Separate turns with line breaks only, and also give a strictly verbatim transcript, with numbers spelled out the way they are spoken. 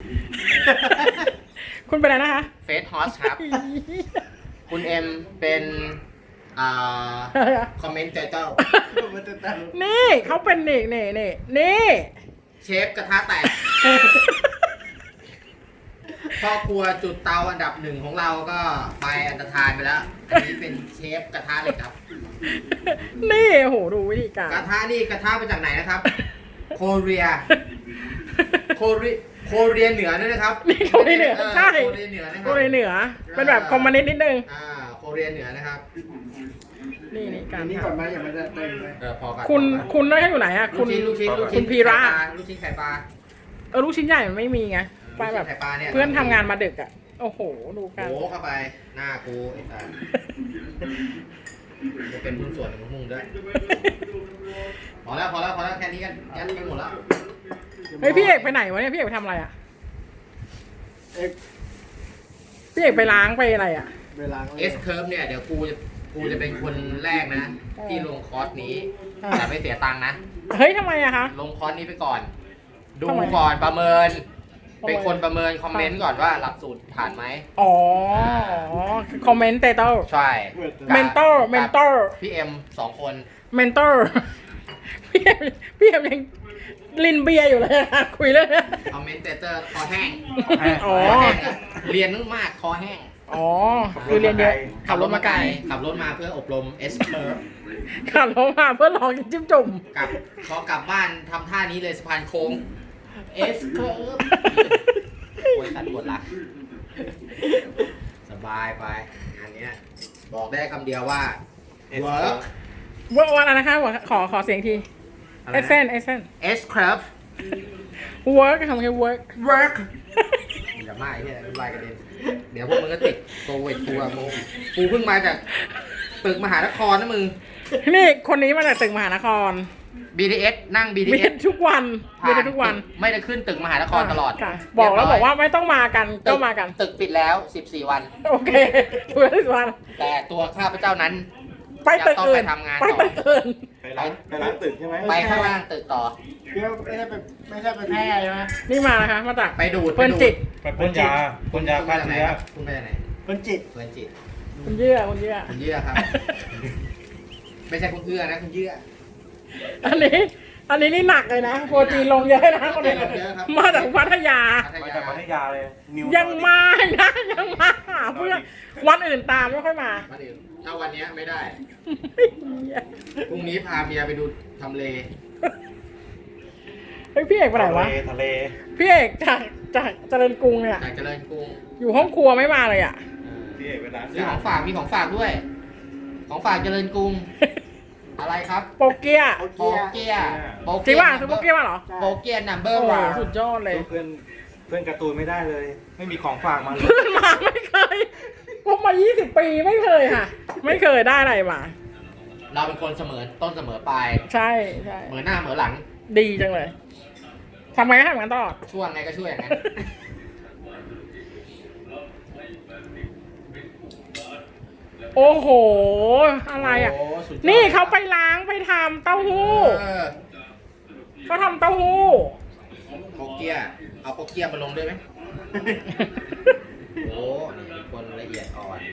คุณเป็นอะไรนะคะ
เฟสฮอสครับ คุณเอ็มเป็นอ่าคอมเมนเตเตอร์
นี่เขาเป็นนี่นี่นี่นี่
เชฟกระทะแตก พ่อครัวจุดเตาอันดับหนึ่งของเราก็ไปอันตรธานไปแล้ว อันนี้เป็นเชฟกระทะเหล็กครับ
นี่โหดูวิธีการ
กระทะนี่กระทะมาจากไหนนะครับ โคเรีย โคเรียโคเรียเหนือด้วยนะครับ
นี่โคเรียเหนือใช่
โคเรียเหนือนะค
โค
รับ
เรียเหนือเป็นแบบคอมมิวนิสต์นิดนึง
อ่าโคเรียเหนือนะครับ
นี่นี่การ
อันนี้ก่อนไหมอย่ามันจะเต็มเลย
เออพอกัน
คุณ
พอกัน
คุณได้อยู่ไหนอะ
ลู
คุ
ก
ณ
ชิ้นลูกชิ้นลูก
คุ
ชิ้น
ณพีระ
ไข่ปลาลูกชิ้นไข่ปลา
เออลูกชิ้นใหญ่มันไม่มีไงไปแบบ
ไข่ปลาเนี่ย
เพื่อนทำงานมาดึกอะโอ้โหดูกัน
โอ้เข้าไปหน้ากูไอ้สัสจะเป็นหุ้นส่วนของมึงด้วยพอแล้วพอแล้วพอแล้วแค่นี้กันยันไปหมดแล้ว
เฮ้ยพี่เอกไปไหนวะเนี่ยพี่เอกไปทำอะไรอะ
เอ็ก
พี่เอกไปล้างไปอะไรอะ
เวลา
เอสเคิร์ฟเนี่ยเดี๋ยวกูจะกูจะเป็นคนแรกนะ ที่ลงคอร์สนี้
อ่า
แต่ไม่เสียตังค์นะ
เฮ้ยทำไมอะคะ
ลงคอร์สนี้ไปก่อน ดู
ทำไม
ก่อนประเมิน
ประเมิน
เป็นคนประเมินคอมเมนต์ก่อนว่าหลักสูตรผ่านไหม
อ๋อคอมเมนต์เตเตอร์
ใช่
เมนเตอร์เมนเตอร์
พี่เอ็มสองคน
เมนเตอร์ พี่เอ็มพี่เอ็มยังลินเบียร์อยู่เลยนะคุยเรื่องเนี้ย
คอมเมนเตเตอร์คอแห้ง
อ๋อ
คอแห้งอะเรียนมากคอแห้ง
อ๋อคือเรียนเยอะขับรถมาไกล
ขับรถมาเพื่ออบรมเอสเคิร์ฟ
ขับรถมาเพื่อลองจิ้มจุ่ม
กลับพอกลับบ้านทำท่านี้เลยสะพานโค้งเอสเคิร์ฟปวดขัดปวดหลังสบายไปงานเนี้ยบอกได้คำเดียวว่า work
ว่าวันอะไรนะคะขอขอเสียงทีเอเซนเอเซน
S curve
work ทำไง work
work อย่ามาไอ้เนี่ยลายกระเด็นเดี๋ยวพวกมึงก็ติดโควิดตัวมึงกูเพิ่งมาจากตึกมหานครนะมึง
นี่คนนี้มาจากตึกมหานคร
บี ที เอส นั่ง บี ที
มี
เอส
ทุกวันมีทุกวัน
ไม่ได้ขึ้นตึกมหานครตลอด
ค่ะบอกแล้วบอกว่าไม่ต้องมากันก็มากัน
ตึกปิดแล้ว สิบสี่ วัน
โอเคถูกแล้วทุกวัน
แต่ตัวข้าพเจ้านั้น
ไปตึกอื่น
จะต้องไปทำงาน
ไป
ต่อ
ตึกอื่น
ไปร้านไปร้านตึกใช่ไหม
ไปข้างล่างตึกต่อ
เพื่อไม่ใช่ไปไม่ใช่ไปแพร่ใช่ไหม
นี่มานะคะมาจาก
ไปดูด
เพื่อนจิต
ไปพ่นยาพ่นยาฆ่า
คุณ
เชื้อ
คุณไปจากไหน
คนจิต
เพื่อนจิต
คุณเยื่อคุณเยื่อ
คุณเยื่อครับ ไม่ใช่คุณเอื้อนะคุณเยื่อ
อันนี้ อันนี้นี่หนักเลยนะโปรตีนลงเยอะนะคนนี้
ลงเยอะครับ
มาจากพัทยา
มาจากพัทยาเลยนิว
ยังมานะยังมาหาเพื่อนวันอื่นตามไม่ค่อยมา
มาดิถ้าวันเนี้ยไม่ได้ พรุ่งนี้พาเมียไปดูทำเล
เฮ้ยพี่เอกไปไหนวะ
ทะเลทะเล
พี่เอกจากจากเจริญกรุงเนี่ย
จากเจริญกรุง
อยู่ห้องครัวไม่มาเลยอ่ะ
พี่เอกเป็นร้าน
ซื้อของฝากมีของฝากด้วย ของฝากเจริญกรุง อะไรครับ
โปเกีย
โปเกียโป
จริงป่ะซื้อโปเกียมาเหรอ
โปเกียนัมเบอ
โอ้
ร์
โห
วัน
สุดยอดเลย
เพื่อนเพื่อนการ์ตูนไม่ได้เลย ไม่มีของฝากมาเลย
เพื่อนมาไม่เคยพบมายี่สิบปีไม่เคยค่ะ ไม่เคยได้อะไรมา
เราเป็นคนเสมอต้นเสมอปลาย
ใช่ใช่
เหมือนหน้าเหมือนหลัง
ดีจังเลยทำไงก็ทำกันตลอด
ช่วงไงก็ช่วยอย่างนั้น
โอ้โห อะไรอ่ะ
โสุดยอด
นี่เขาไปล้างไปทำเต้าหู้
เออ
เขาทำเต้าหู้
โปเกียเอาโปเกียมาลงด้วยไหม โอ้นี่คนละเอียดอ่อน